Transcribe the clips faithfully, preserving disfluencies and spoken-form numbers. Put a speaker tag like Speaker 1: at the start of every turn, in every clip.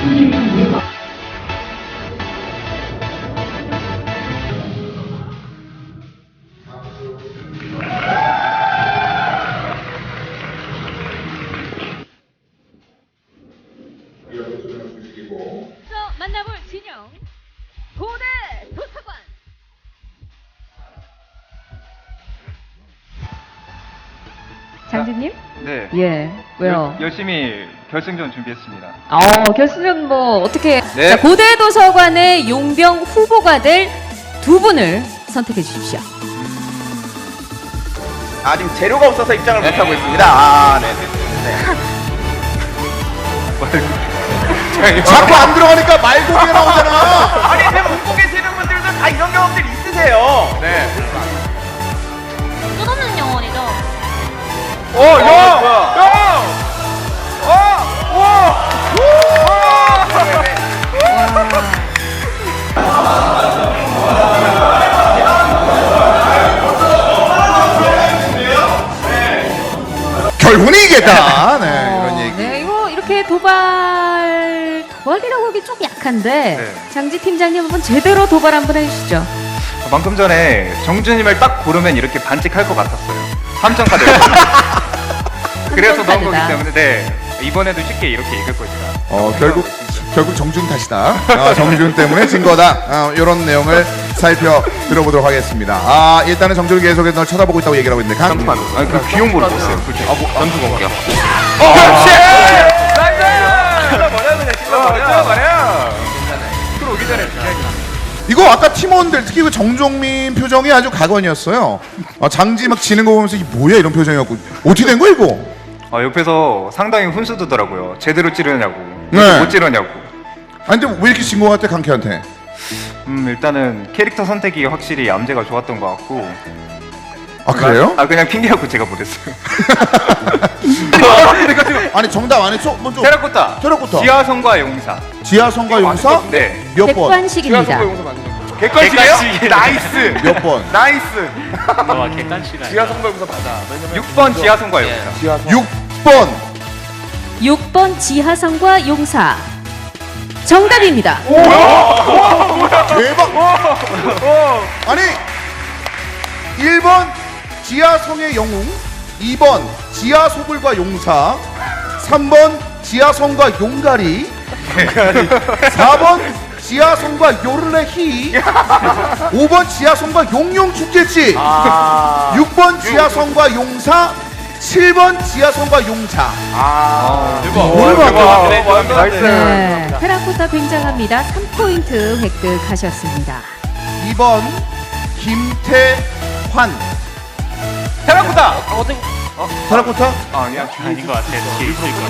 Speaker 1: 만나볼 진영 고대 도서관. 장진님?
Speaker 2: 네.
Speaker 1: 예. 왜요?
Speaker 2: 열, 열심히 결승전 준비했습니다.
Speaker 1: 어, 결승전 뭐 어떻게?
Speaker 2: 네.
Speaker 1: 자, 고대 도서관의 용병 후보가 될 두 분을 선택해 주십시오.
Speaker 3: 아, 지금 재료가 없어서 입장을 못 하고 있습니다. 아, 네. 네.
Speaker 4: 자꾸 안 들어가니까 말고기가 나오잖아.
Speaker 3: 아니, 지금 웃고 계시는 분들도 다 이런 경험들 있으세요. 네.
Speaker 1: 끝없는 영혼이죠.
Speaker 3: 오, 야! 야! 어! 와!
Speaker 4: 결국은 이기겠다. 네,
Speaker 1: 어,
Speaker 4: 이런 얘기.
Speaker 1: 네, 이거 이렇게 도발 도발이라고 하기 좀 약한데
Speaker 2: 네.
Speaker 1: 장지 팀장님 한번 제대로 도발 한번 해주시죠.
Speaker 2: 방금 전에 정준님을 딱 고르면 이렇게 반칙할 것 같았어요. 삼 점 카드. 그래서 넣은 거기
Speaker 1: 카드다.
Speaker 2: 때문에 네. 이번에도 쉽게 이렇게 이길 것이다.
Speaker 4: 어, 결국 결국 정준 탓이다. 아, 정준 때문에 진 거다. 아, 이런 내용을 살펴 들어보도록 하겠습니다. 아, 일단은 정준이 계속해서 널 쳐다보고 있다고 얘기를 하고 있는데 강.
Speaker 2: 아니 그 귀용보를 봤어요. 그렇죠. 아, 뭐 전투 공격.
Speaker 3: 어, 그렇지! 나이스! 찔러버려, 그냥 찔러버려. 찔러버려. 들어오기 전에.
Speaker 4: 이거 아까 팀원들 특히 그 정종민 표정이 아주 각원이었어요. 아, 장지 막 지는 거 보면서 이 뭐야 이런 표정이었고 어떻게 된 거야 이거?
Speaker 2: 아, 옆에서 상당히 훈수두더라고요. 제대로 찌르냐고.
Speaker 4: 네.
Speaker 2: 못 찌르냐고.
Speaker 4: 아니 근데 왜 이렇게 진 거 같아 강캐한테?
Speaker 2: 음 일단은 캐릭터 선택이 확실히 암제가 좋았던 것 같고.
Speaker 4: 아 그래요?
Speaker 2: 아 그냥 핑계하고 제가 못했어요.
Speaker 4: 아니 정답 안 했어? 먼저
Speaker 2: 테라코타.
Speaker 4: 테라코타.
Speaker 2: 지하성과 용사.
Speaker 4: 지하성과 용사?
Speaker 2: 네.
Speaker 4: 몇 번?
Speaker 1: 객관식입니다.
Speaker 3: 객관식이에요? 나이스!
Speaker 4: 몇 번?
Speaker 3: 나이스!
Speaker 5: 너와 객관식이
Speaker 3: 지하성과 용사 맞아.
Speaker 2: 육 번 지하성과 용사.
Speaker 4: 육 번.
Speaker 1: 육 번 지하성과 용사. 정답입니다.
Speaker 4: 대박. 아니 일 번 지하성의 영웅, 이 번 지하소불과 용사, 삼 번 지하성과 용가리, 사 번 지하성과 요르레히, 오 번 지하성과 용용축제지,
Speaker 3: 아.
Speaker 4: 육 번 지하성과 용사, 칠 번 지하성과 용자.
Speaker 3: 아.
Speaker 4: 뭘 봐.
Speaker 3: 나이스.
Speaker 1: 네, 테라코타 굉장합니다. 삼 포인트 획득하셨습니다.
Speaker 4: 이 번 김태환.
Speaker 3: 테라코타!
Speaker 4: 테라코타?
Speaker 2: 아, 아니야.
Speaker 5: 아닌 것 같아. 뒤에 있을 것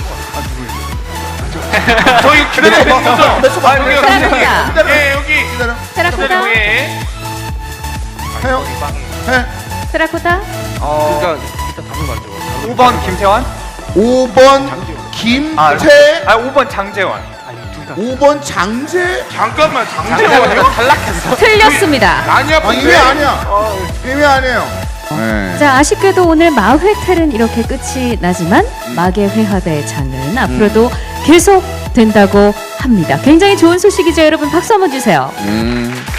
Speaker 5: 같아.
Speaker 3: 저희 기다리고 있었죠?
Speaker 4: 몇 초?
Speaker 3: 아, 여기, 여기.
Speaker 1: 테라코타.
Speaker 4: 기다려.
Speaker 3: 예, 여기.
Speaker 4: 기다려.
Speaker 1: 테라코타.
Speaker 3: 예.
Speaker 4: 해요. 해.
Speaker 1: 테라코타.
Speaker 2: 어. 오 번 김태환.
Speaker 4: 오 번 김태.
Speaker 2: 아, 오 번 장재환.
Speaker 4: 오 번 장재.
Speaker 3: 잠깐만, 장재원이요? 탈락했어.
Speaker 1: 틀렸습니다.
Speaker 3: 아니야,
Speaker 4: 아 이게 아니야. 이게 아니에요. 네.
Speaker 1: 자, 아쉽게도 오늘 마회텔은 이렇게 끝이 나지만 마계 회화대의 장은 앞으로도 계속 된다고 합니다. 굉장히 좋은 소식이죠, 여러분. 박수 한번 주세요.
Speaker 4: 음.